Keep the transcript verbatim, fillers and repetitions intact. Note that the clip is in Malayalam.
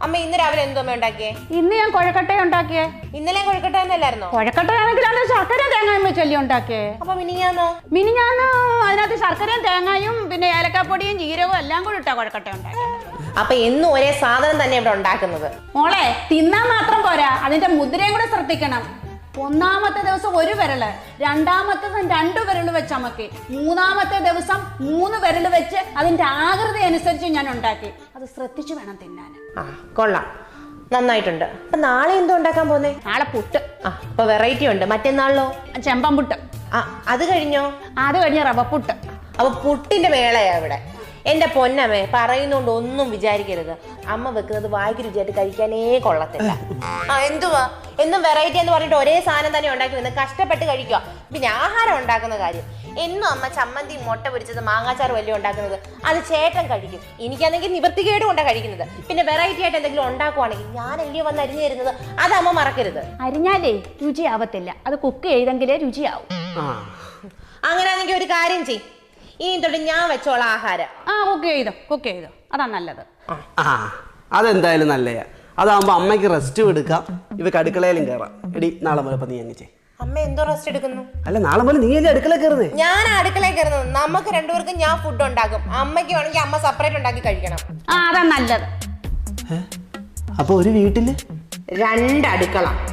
അമ്മ ഇന്ന് രാവിലെ എന്തോ അമ്മ ഉണ്ടാക്കിയേ? ഇന്ന് ഞാൻ കൊഴക്കട്ട ഉണ്ടാക്കിയേ. ഇന്നലെ കൊഴക്കട്ട തന്നെയല്ലായിരുന്നോ? കൊഴക്കട്ടയാണെങ്കിൽ അത് ശർക്കര തേങ്ങയും വെച്ചല്ലേ ഉണ്ടാക്കിയേ. അപ്പൊ മിനിഞ്ഞാന്നോ? മിനിഞ്ഞാന്ന് അതിനകത്ത് ശർക്കരയും തേങ്ങയും പിന്നെ ഏലക്കാപ്പൊടിയും ജീരകവും എല്ലാം കൂടി ഇട്ടാ കൊഴക്കട്ട ഉണ്ടാക്കിയത്. അപ്പൊ എന്നും ഒരേ സാധനം തന്നെ ഇവിടെ ഉണ്ടാക്കുന്നത്. മോളെ തിന്നാൻ മാത്രം പോരാ, അതിന്റെ മുദ്രയും കൂടെ ശ്രദ്ധിക്കണം. ഒന്നാമത്തെ ദിവസം ഒരു വിരല്, രണ്ടാമത്തെ ദിവസം രണ്ടു വിരല് വെച്ച് അമക്കി, മൂന്നാമത്തെ ദിവസം മൂന്ന് വിരല് വെച്ച് അതിന്റെ ആകൃതി അനുസരിച്ച് ഞാൻ ഉണ്ടാക്കി. അത് ശ്രദ്ധിച്ചു വേണം തിന്നാൻ. ആ കൊള്ളാം, നന്നായിട്ടുണ്ട്. അപ്പൊ നാളെ എന്തോ ഉണ്ടാക്കാൻ പോന്നേ? നാളെ പുട്ട്. ആ അപ്പൊ വെറൈറ്റി ഉണ്ട്. മറ്റന്നാളിലോ? ചെമ്പൻ പുട്ട്. ആ അത് കഴിഞ്ഞോ? അത് കഴിഞ്ഞ റവ പുട്ട്. അപ്പൊ പുട്ടിന്റെ മേളയാ ഇവിടെ. എന്റെ പൊന്നമ്മേ, പറയുന്നോണ്ട് ഒന്നും വിചാരിക്കരുത്. അമ്മ വെക്കുന്നത് വായിക്ക് രുചിയായിട്ട് കഴിക്കാനേ കൊള്ളത്തില്ല. ആ എന്തുവാ എന്നും വെറൈറ്റി എന്ന് പറഞ്ഞിട്ട് ഒരേ സാധനം തന്നെ ഉണ്ടാക്കി നിന്ന് കഷ്ടപ്പെട്ട് കഴിക്കുക. പിന്നെ ആഹാരം ഉണ്ടാക്കുന്ന കാര്യം, എന്നും അമ്മ ചമ്മന്തി മുട്ട പൊരിച്ചത് മാങ്ങാച്ചാറ് വലിയ ഉണ്ടാക്കുന്നത് അത് ചേട്ടൻ കഴിക്കും. എനിക്കാണെങ്കിൽ നിവൃത്തികേട് കൊണ്ടാണ് കഴിക്കുന്നത്. പിന്നെ വെറൈറ്റി ആയിട്ട് എന്തെങ്കിലും ഉണ്ടാക്കുവാണെങ്കിൽ ഞാനല്ലേ വന്ന് അരിഞ്ഞു തരുന്നത്, അത് അമ്മ മറക്കരുത്. അരിഞ്ഞാലേ രുചിയാവത്തില്ല, അത് കുക്ക് ചെയ്തെങ്കിലേ രുചിയാവും. അങ്ങനെയാണെങ്കിൽ ഒരു കാര്യം ചെയ്യും, ഇനി തൊട്ട് ഞാൻ വെച്ചോളാം ആഹാരം. ആ കുക്ക് ചെയ്തോ കുക്ക് ചെയ്തോ അതാ നല്ലത്. ആ അതെന്തായാലും നല്ലയാ. അതാകുമ്പോ അമ്മയ്ക്ക് റെസ്റ്റും എടുക്കാം, ഇവക്ക് അടുക്കളയിലും കയറാം. എടി നാളെ പോലെ നീ അങ്ങ് ചെയ്. അമ്മ എന്തോ റെസ്റ്റ് എടുക്കുന്നു? അല്ല നാളെ പോലെ നീ അല്ലേ അടുക്കള കയറുന്നേ? ഞാൻ അടുക്കളയിൽ കയറുന്നത്. നമുക്ക് രണ്ടുപേർക്കും ഞാൻ ഫുഡ് ഉണ്ടാക്കും, അമ്മയ്ക്ക് വേണമെങ്കിൽ അമ്മ സെപ്പറേറ്റ് ഉണ്ടാക്കി കഴിക്കണം. ആ അതാ നല്ലത്. അപ്പൊ ഒരു വീട്ടില് രണ്ട് അടുക്കള.